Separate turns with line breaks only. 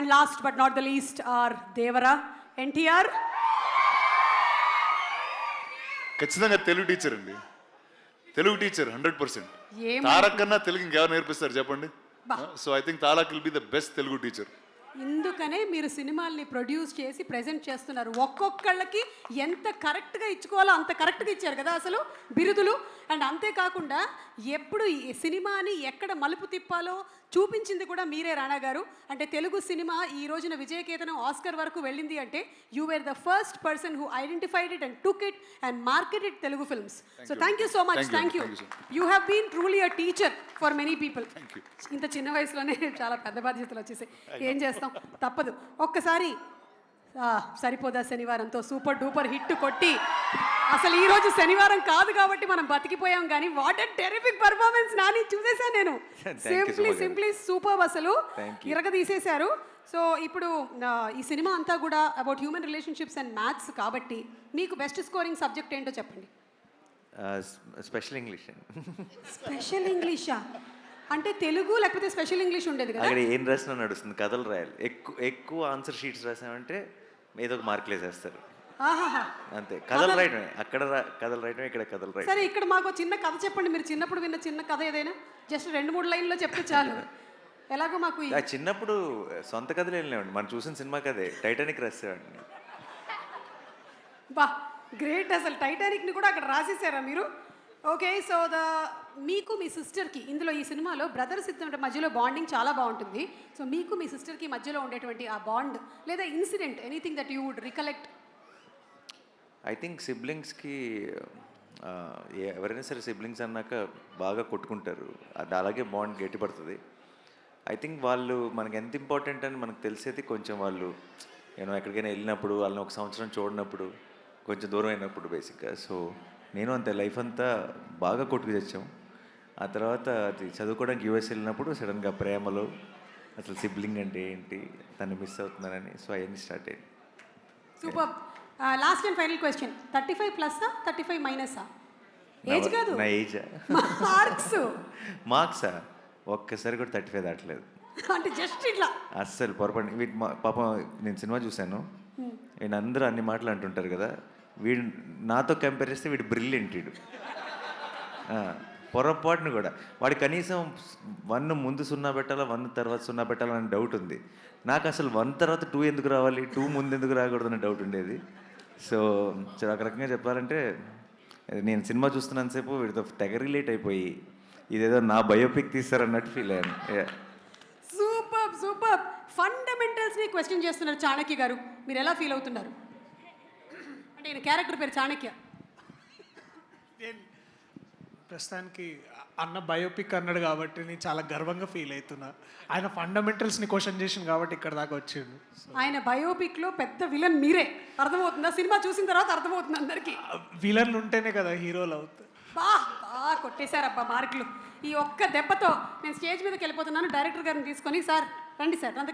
And last but not the least our Devara NTR.
ఖచ్చితంగా Telugu teacher అండి, Telugu teacher 100%.
ఏం
తారక్ కన్నా తెలుగు ఇంకెవరు నేర్పిస్తారు చెప్పండి?
బా.
So I think Tarak will be the best Telugu teacher.
ఇందుకనే మీరు సినిమాల్ని ప్రొడ్యూస్ చేసి ప్రెజెంట్ చేస్తున్నారు. ఒక్కొక్కళ్ళకి ఎంత కరెక్ట్గా ఇచ్చుకోవాలో అంత కరెక్ట్గా ఇచ్చారు కదా అసలు బిరుదులు. అండ్ అంతేకాకుండా ఎప్పుడు ఈ సినిమాని ఎక్కడ మలుపు తిప్పాలో చూపించింది కూడా మీరే రాణా గారు. అంటే తెలుగు సినిమా ఈ రోజున విజయకేతనం ఆస్కర్ వరకు వెళ్ళింది అంటే you were the first person who identified it and took it and marketed Telugu films. So thank you so much. Thank you. You have been truly a teacher for many people. ఇంత చిన్న వయసులోనే చాలా పెద్ద బాధ్యతలు వచ్చేసాయి. ఏం చేస్తాం, తప్పదు. ఒక్కసారి సరిపోదా శనివారంతో సూపర్ డూపర్ హిట్ కొట్టి, అసలు ఈ రోజు శనివారం కాదు కాబట్టి మనం బతికిపోయాం, కానీ what a terrific performance Nani చూసేసాను నేను. సింప్లీ సూపర్, అసలు ఇరగ తీసేశారు. సో ఇప్పుడు ఈ సినిమా అంతా కూడా about human relationships and maths కాబట్టి మీకు బెస్ట్ స్కోరింగ్ సబ్జెక్ట్ ఏంటో చెప్పండి.
Special English.
స్పెషల్ ఇంగ్లీషా? అంటే తెలుగు లేకపోతే స్పెషల్ ఇంగ్లీష్ ఉండేది కదా?
అక్కడ ఏం రాసినా నడుస్తుంది, కథలు రాయాలి. ఎక్కువ ఆన్సర్ షీట్స్ రాసామంటే ఏదో ఒక మార్కులు వేసేస్తారు. అంతే, కథలు రాయటమే. అక్కడ కథలు రాయటమే, ఇక్కడ కథలు రాయటం.
సరే, ఇక్కడ మాకు చిన్న కథ చెప్పండి. మీరు చిన్నప్పుడు విన్న చిన్న కథ ఏదైనా జస్ట్ 2-3 లైన్లో చెప్తే చాలు. ఎలాగో మాకు
చిన్నప్పుడు సొంత కథలు ఏం లేవండి, మనం చూసిన సినిమా కథే. టైటానిక్ రాసేవాడిని.
బా, గ్రేట్. అసలు టైటానిక్ని కూడా అక్కడ రాసేసారా మీరు? ఓకే. సో మీకు మీ సిస్టర్కి ఇందులో ఈ సినిమాలో బ్రదర్స్ ఇద్దరి మధ్యలో బాండింగ్ చాలా బాగుంటుంది. సో మీకు మీ సిస్టర్కి మధ్యలో ఉండేటువంటి ఆ బాండ్ లేదా incident, anything that you would recollect?
I think సిబ్లింగ్స్కి ఎవరైనా సరే సిబ్లింగ్స్ అన్నాక బాగా కొట్టుకుంటారు, అది అలాగే బాండ్ గట్టిపడుతుంది. ఐ థింక్ వాళ్ళు మనకి ఎంత ఇంపార్టెంట్ అని మనకు తెలిసేది కొంచెం వాళ్ళు ఎక్కడికైనా వెళ్ళినప్పుడు, వాళ్ళని 1 సంవత్సరం చూడనప్పుడు, కొంచెం దూరం అయినప్పుడు బేసిక్గా. సో నేను అంతే లైఫ్ అంతా బాగా కొట్టుకు తెచ్చాం. ఆ తర్వాత అది చదువుకోవడానికి యూఎస్ వెళ్ళినప్పుడు సడన్గా ప్రేమలో అసలు సిబ్లింగ్ అంటే ఏంటి, తను మిస్ అవుతున్నానని, సో అవన్నీ స్టార్ట్ అయ్యింది.
Super. Last and final question, 35+ఆ 35-ఆ? ఏజ్ కాదు,
నా ఏజా? మార్క్సా? ఒక్కసారి కూడా 35 దాటలేదు.
అంటే జస్ట్ ఇట్లా
అస్సలు పొరపాటు. వీటి పాపం నేను సినిమా చూశాను, వీడు అందరూ అన్ని మాటలు అంటుంటారు కదా, వీడు నాతో కంపేర్ చేస్తే వీడు బ్రిలియంట్. వీడు పొరపాటును కూడా వాడు కనీసం 1 ముందు 0 పెట్టాలా, 1 తర్వాత 0 పెట్టాలా అని డౌట్ ఉంది. నాకు అసలు 1 తర్వాత 2 ఎందుకు రావాలి, 2 ముందు ఎందుకు రాకూడదని డౌట్ ఉండేది. సో ఒక రకంగా చెప్పాలంటే నేను సినిమా చూస్తున్నంతసేపు వీడితో తెగ రిలేట్ అయిపోయి ఇదేదో నా బయోపిక్ తీస్తారన్నట్టు ఫీల్ అయ్యాను.
Super super. ఫండమెంటల్స్ని క్వశ్చన్ చేస్తున్నారు చాణక్య గారు, మీరు ఎలా ఫీల్ అవుతున్నారు? అంటే ఈయన క్యారెక్టర్ పేరు చాణక్య.
ప్రస్తుతానికి అన్న బయోపిక్ అన్నాడు కాబట్టి నేను చాలా గర్వంగా ఫీల్ అవుతున్నా. ఆయన ఫండమెంటల్స్ని క్వశ్చన్ చేసింది కాబట్టి ఇక్కడ దాకా వచ్చిండు.
ఆయన బయోపిక్లో పెద్ద విలన్ మీరే, అర్థమవుతుందా? సినిమా చూసిన తర్వాత అర్థమవుతుంది అందరికీ.
విలన్లు ఉంటేనే కదా హీరోలు అవుతారు.
బాగా కొట్టేశారబ్బా మార్కులు. ఈ ఒక్క దెబ్బతో నేను స్టేజ్ మీదకి వెళ్ళిపోతున్నాను. డైరెక్టర్ గారిని తీసుకొని, సార్ రండి సార్